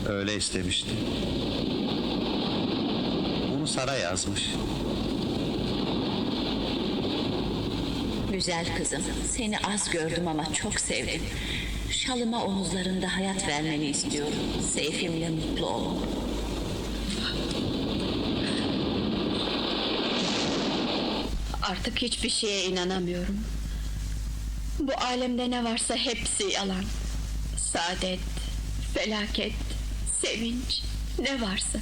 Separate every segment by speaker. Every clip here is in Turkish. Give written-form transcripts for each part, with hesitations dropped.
Speaker 1: Öyle istemişti. Bunu Sara yazmış.
Speaker 2: Güzel kızım, seni az gördüm ama çok sevdim. Şalıma omuzlarında hayat vermeni istiyorum. Seyfimle mutlu ol.
Speaker 3: Artık hiçbir şeye inanamıyorum. Bu alemde ne varsa hepsi yalan. Saadet, felaket, sevinç, ne varsa.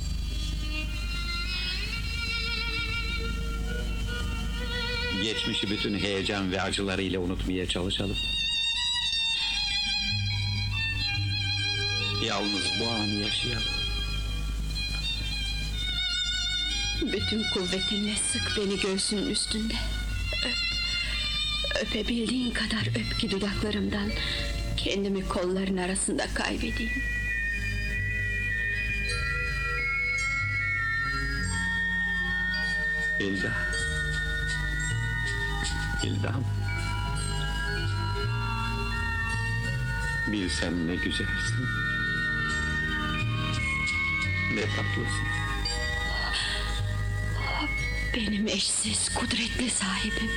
Speaker 1: Geçmişi bütün heyecan ve acılarıyla unutmaya çalışalım. Yalnız bu anı yaşayalım.
Speaker 3: Bütün kuvvetinle sık beni göğsünün üstünde. Öp. Öpebildiğin kadar öp ki dudaklarımdan kendimi kolların arasında kaybedeyim.
Speaker 1: Hilda. Hildam. Bilsen ne güzelsin. Ne tatlısın.
Speaker 3: Benim eşsiz, kudretli sahibim.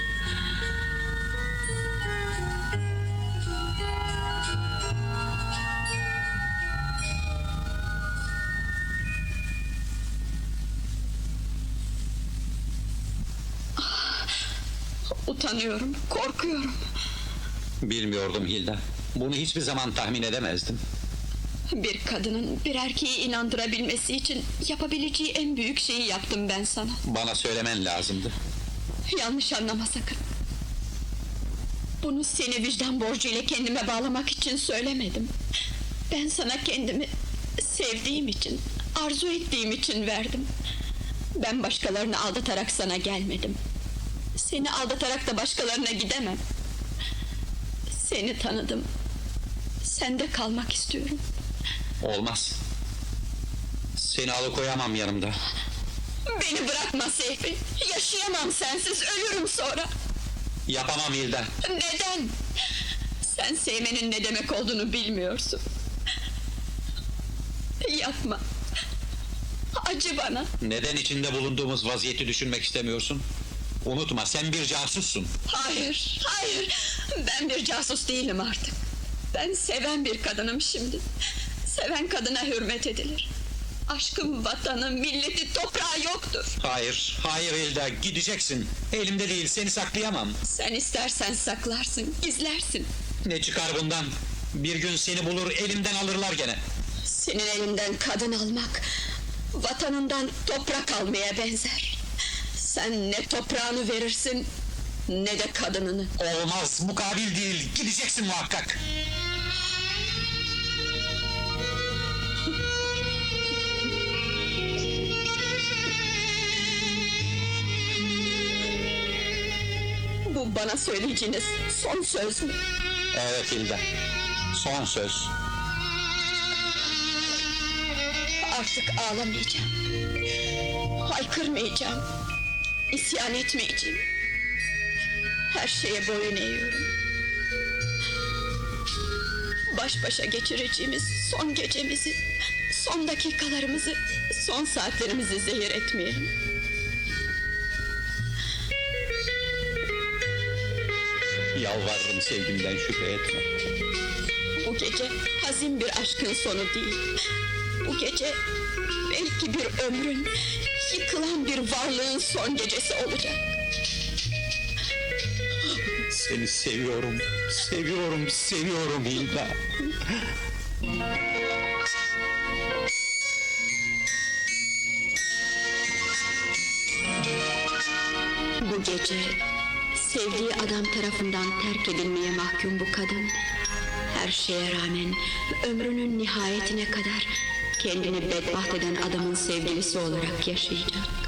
Speaker 3: Utanıyorum, korkuyorum.
Speaker 1: Bilmiyordum Hilda. Bunu hiçbir zaman tahmin edemezdim.
Speaker 3: Bir kadının bir erkeği inandırabilmesi için yapabileceği en büyük şeyi yaptım ben sana.
Speaker 1: Bana söylemen lazımdı.
Speaker 3: Yanlış anlama sakın. Bunu seni vicdan borcuyla kendime bağlamak için söylemedim. Ben sana kendimi sevdiğim için, arzu ettiğim için verdim. Ben başkalarını aldatarak sana gelmedim. Seni aldatarak da başkalarına gidemem. Seni tanıdım. Sende kalmak istiyorum.
Speaker 1: Olmaz. Seni alıkoyamam yanımda.
Speaker 3: Beni bırakma Seyfi. Yaşayamam sensiz, ölürüm sonra.
Speaker 1: Yapamam Hilda.
Speaker 3: Neden? Sen sevmenin ne demek olduğunu bilmiyorsun. Yapma. Acı bana.
Speaker 1: Neden içinde bulunduğumuz vaziyeti düşünmek istemiyorsun? Unutma, sen bir casussun.
Speaker 3: Hayır, hayır. Ben bir casus değilim artık. Ben seven bir kadınım şimdi. Seven kadına hürmet edilir. Aşkım vatanı, milleti, toprağı yoktur.
Speaker 1: Hayır, hayır Hilda, gideceksin. Elimde değil, seni saklayamam.
Speaker 3: Sen istersen saklarsın, gizlersin.
Speaker 1: Ne çıkar bundan? Bir gün seni bulur, elimden alırlar gene.
Speaker 3: Senin elinden kadın almak, vatanından toprak almaya benzer. Sen ne toprağını verirsin, ne de kadınını.
Speaker 1: Olmaz, bu kabil değil. Gideceksin muhakkak.
Speaker 3: Bu bana söyleyeceğiniz son söz mü?
Speaker 1: Evet Hilda, son söz.
Speaker 3: Artık ağlamayacağım. Haykırmayacağım. İsyan etmeyeceğim. Her şeye boyun eğiyorum. Baş başa geçireceğimiz son gecemizi, son dakikalarımızı, son saatlerimizi zehir etmeyelim.
Speaker 1: Yalvarırım, sevgimden şüphe etme.
Speaker 3: Bu gece hazin bir aşkın sonu değil. Bu gece belki bir ömrün, yıkılan bir varlığın son gecesi olacak.
Speaker 1: Seni seviyorum, seviyorum, seviyorum Hilda.
Speaker 3: Bu gece sevdiği adam tarafından terk edilmeye mahkum bu kadın, her şeye rağmen ömrünün nihayetine kadar kendini bedbaht eden adamın sevgilisi olarak yaşayacak.